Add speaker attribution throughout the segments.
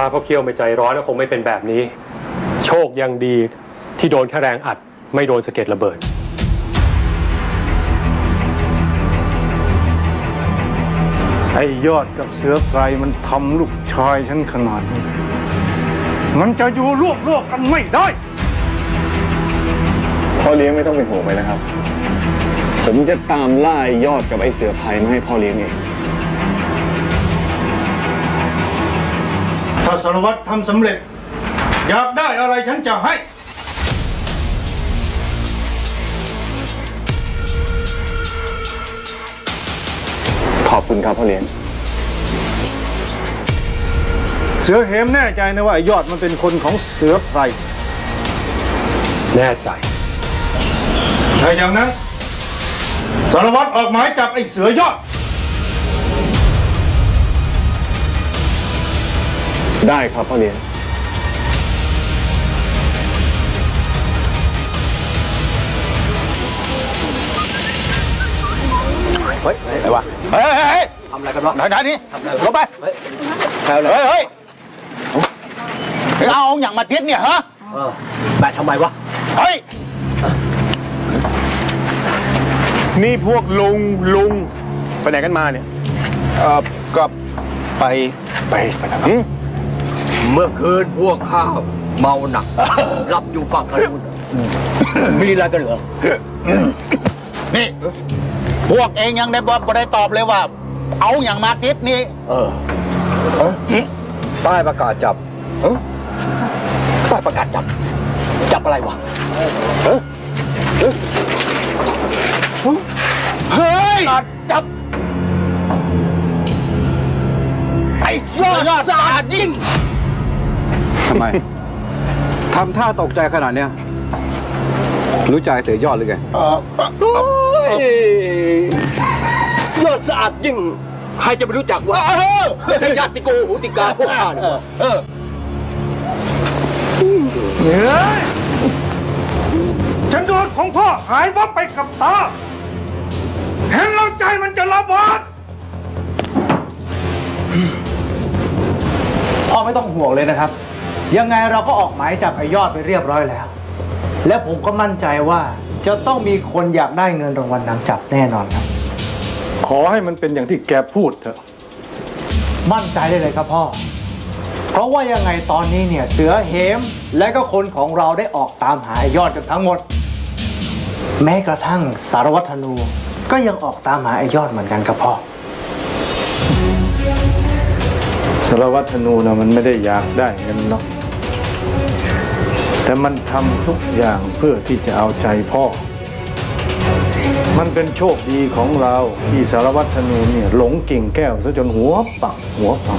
Speaker 1: าพ่อเคี่ยวไม่ใจร้อนก็คงไม่เป็นแบบนี้โชคยังดีที่โดนแค่แรงอัดไม่โดนสะเก็ดระเบิด
Speaker 2: ไอ้ยอดกับเสือไพรมันทำลูกชายฉันขนาดนี้มันจะอยู่ร่วมโลกกันไม่ได้
Speaker 3: พ่อเลี้ยงไม่ต้องเป็นห่วงไปนะครับผมจะตามล่าไอ้ยอดกับไอ้เสือไพรมาให้พ่อเลี้ยงเอง
Speaker 2: ถ้าสารวัตรทำสำเร็จอยากได้อะไรฉันจะให้
Speaker 3: ขอบคุณครับพ่อเลี้ยง
Speaker 2: เสือเหมแน่ใจนะว่าไอ้ยอดมันเป็นคนของเสือไพร
Speaker 1: แน่ใจ
Speaker 2: ถ้าอย่างนั้นสารวัตรออกหมายจับไอ้เสือยอด
Speaker 3: ได้ครับพ่อเลี้ยง
Speaker 4: เฮ้ยอะไรวะเฮ้ยทำอะไรกันวะไหนนี่ลงไปเฮ้ยเอาอย่างมาติดเนี่ยฮะแบะทำไมวะเฮ้ย
Speaker 3: นี่พวกลุงไปไหนกันมาเนี่ย
Speaker 4: ก็ไปทำไมเมื่อคืนพวกข้าเมาหนักรับอยู่ฝั่งกันนู้นมีอะไรกันเหรอนี่พวกเองยังได้บอกได้ตอบเลยว่าเอาอย่างมาติดนี่
Speaker 5: ป้ายประกาศจับ
Speaker 4: ป้ายประกาศจับอะไรวะเฮ้ยจับไอ้ยอดสะอาดยิ่ง
Speaker 5: ทำไมทำท่าตกใจขนาดเนี้ยรู้ใจเสือยอดหรือไง
Speaker 4: ยอดสะอาดยิ่งใครจะไม่รู้จักวะไม่ใช่ญาติโกโหติกาพวกข้าเนี่ย
Speaker 2: ฉันโดนของพ่อหายวับไปกับตาเห็นแล้วใจมันจะระเบิด
Speaker 6: พ่อไม่ต้องห่วงเลยนะครับยังไงเราก็ออกหมายจับไอ้ยอดไปเรียบร้อยแล้วและผมก็มั่นใจว่าจะต้องมีคนอยากได้เงินรางวัลนำจับแน่นอนครับ
Speaker 2: ขอให้มันเป็นอย่างที่แกพูดเถอะ
Speaker 6: มั่นใจได้เลยครับพ่อเพราะว่ายังไงตอนนี้เนี่ยเสือเหมและก็คนของเราได้ออกตามหาไอ้ยอดกันทั้งหมดแม้กระทั่งสารวัตรธนูก็ยังออกตามหาไอ้ยอดเหมือนกันครับพ่อ
Speaker 2: สารวัตรธนูนะมันไม่ได้อยากได้เงินหรอกแต่มันทำทุกอย่างเพื่อที่จะเอาใจพ่อมันเป็นโชคดีของเราที่สารวัตรธนูเนี่ยหลงกิ่งแก้วซะจนหัวปักหัวพัง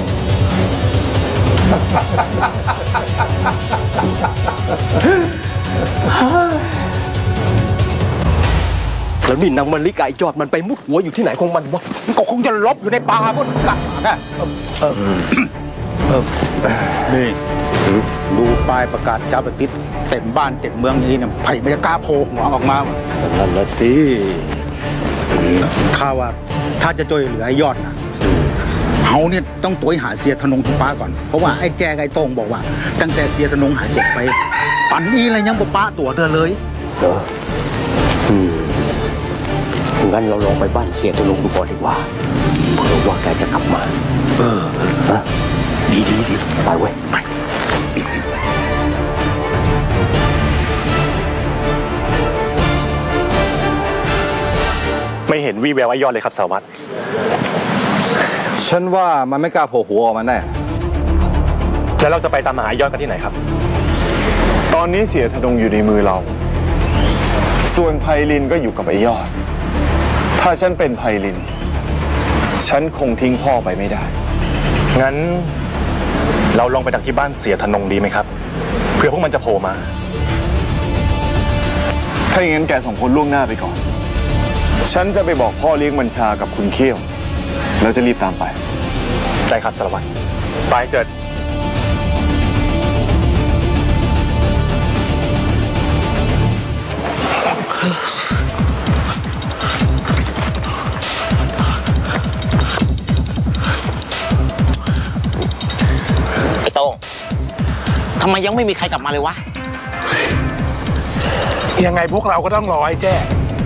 Speaker 4: แล้วนี่นางมะลิกาไอ้ยอดมันไปมุดหัวอยู่ที่ไหนของมันวะมันก็คงจะลบอยู่ในป่าบนกัดนะ
Speaker 5: นี่ดูป้ายประกาศจับติดเต็มบ้านเต็มเมืองนี้เนี่ยไผ่ไม่จะกล้าโผล่หัวออกมา
Speaker 2: นั่นละสิ
Speaker 5: ข้าว่าถ้าจะช่วยเหลือไอ้ยอดนะเขาเนี่ยต้องตัวหาเสียธนงทุป้าก่อนเพราะว่าไอ้แจไอ้โต้งบอกว่าตั้งแต่เสียธนงหายตัวไปปันนี้อะไรยังบ่ป้าตัวเธอเลย
Speaker 4: งั้นเราลองไปบ้านเสียธนงดูก่อนดีกว่าเผื่อว่าแกจะกลับมาดีไปเว้ยไป
Speaker 3: ไม่เห็นวี่แววไอ้ยอดเลยครับสารวัตร
Speaker 5: ฉันว่ามันไม่กล้าโผล่หัวออกมาแน่
Speaker 3: แล้วเราจะไปตามหาไอ้ยอดกันที่ไหนครับตอนนี้เสียธนงอยู่ในมือเราส่วนไพลินก็อยู่กับไอ้ยอดถ้าฉันเป็นไพลินฉันคงทิ้งพ่อไปไม่ได้งั้นเราลองไปดักที่บ้านเสียธนงดีไหมครับเผื่อพวกมันจะโผล่มาถ้าอย่างนั้นแกสองคนล่วงหน้าไปก่อนฉันจะไปบอกพ่อเลี้ยงบัญชากับคุณเขี้ยวแล้วจะรีบตามไปใช่ครับสารวัตรไปเจิด
Speaker 4: ไอ้โต้ง
Speaker 7: ทำไมยังไม่มีใครกลับมาเลยวะ
Speaker 8: ยังไงพวกเราก็ต้องรอไอ้แจ้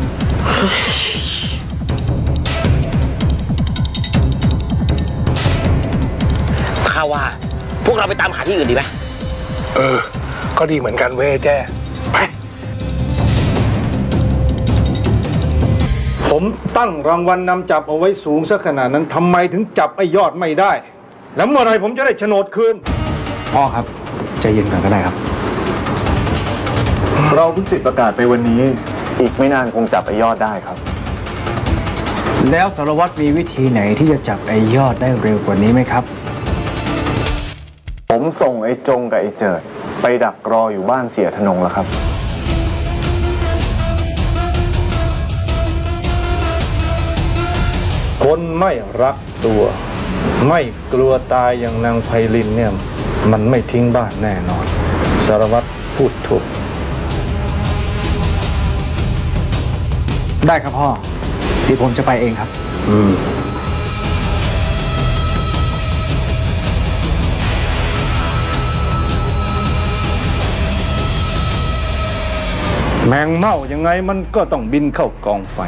Speaker 7: ข้าว่า พวกเราไปตามหาที่อื่นดีไหม
Speaker 8: ก็ดีเหมือนกันเว้ยไอ้แจ้ ไป
Speaker 2: ผมตั้งรางวัลนำจับเอาไว้สูงซะขนาดนั้นทำไมถึงจับไอ้ยอดไม่ได้ แล้วเมื่อไรผมจะได้โฉนดคืน
Speaker 6: พ่อครับใจเย็นก่อนก็ได้ครับ
Speaker 3: เราเพิ่งติดประกาศไปวันนี้ อีกไม่นานคงจับไอ้ยอดได้ครับ
Speaker 6: แล้วสารวัตรมีวิธีไหนที่จะจับไอ้ยอดได้เร็วกว่านี้ไหมครับ
Speaker 3: ผมส่งไอ้จงกับไอ้เจิด ไปดักรออยู่บ้านเสียธนงแล้วครับ
Speaker 2: คนไม่รักตัว ไม่กลัวตายอย่างนางไพลินเนี่ยมันไม่ทิ้งบ้านแน่นอน สารวัตรพูดถูก
Speaker 6: ได้ครับพ่อเดี๋ยวผมจะไปเองครับ
Speaker 2: แมงเม่ายังไงมันก็ต้องบินเข้ากองไฟ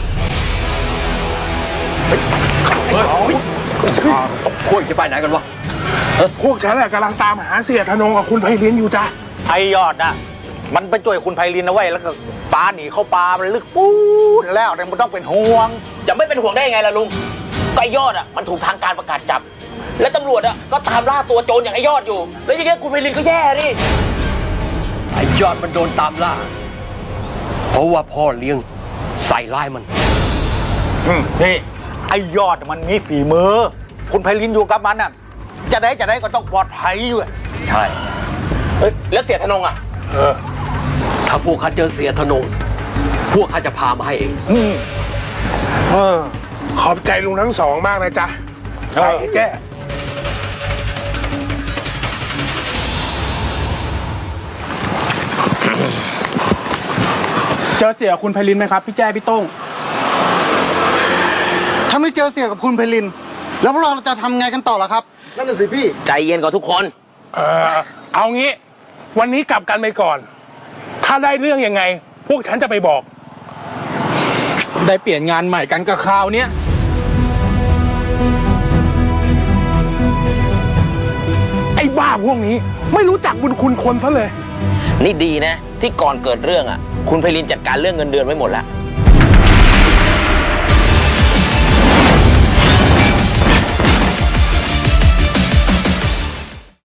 Speaker 4: พวกจะไปไหนกันวะ
Speaker 8: พวกฉันกำลังตามหาเสียธนงกับคุณไพลินอยู่จ้ะ
Speaker 5: ไอยอดน่ะ มันไปช่วยคุณไพลินนะเว้ยแล้วก็ปลาหนีเข้าปลามันลึกปูดแล้วเนี่ยมันต้องเป็นห่วง
Speaker 7: จะไม่เป็นห่วงได้ยังไงล่ะลุงก็ไอ้ยอดอ่ะมันถูกทางการประกาศจับ และตำรวจอ่ะก็ตามล่าตัวโจรอย่างไอ้ยอดอยู่ แล้วอย่างเงี้ยคุณไพลินก็แย่ดิ
Speaker 4: ไอ้ยอดมันโดนตามล่า เพราะว่าพ่อเลี้ยงใส่ร้ายมัน
Speaker 5: นี่ไอยอดมันมีฝีมือ คุณไพลินอยู่กับมันน่ะจะได้ก็ต้องปลอดภัยอยู่
Speaker 4: ใช่
Speaker 7: เฮ้ยแล้วเสียธนงอ่ะ
Speaker 4: ถ้าพวกข้าเจอเสียธนง พวกข้าจะพามาให้เอง
Speaker 8: ขอบใจลุงทั้งสองมากนะจ๊ะไปไอ้แจ้
Speaker 9: เจอเสียคุณไพลินไหมครับ พี่แจ้พี่โต้ง
Speaker 10: ถ้าไม่เจอเสียกับคุณไพลิน แล้วพวกเราจะทำไงกันต่อล่ะครับ
Speaker 6: นั่นน่ะสิพี่
Speaker 7: ใจเย็นก่อนทุกคน
Speaker 8: เอางี้ วันนี้กลับกันไปก่อน ถ้าได้เรื่องยังไง พวกฉันจะไปบอก
Speaker 9: ได้เปลี่ยนงานใหม่กันกับคราวเนี้ย
Speaker 8: ไอ้บ้าพวกนี้ไม่รู้จักบุญคุณคนซะเลย
Speaker 7: นี่ดีนะ ที่ก่อนเกิดเรื่องอ่ะ คุณไพลินจัดการเรื่องเงินเดือนไว้หมดแล้ว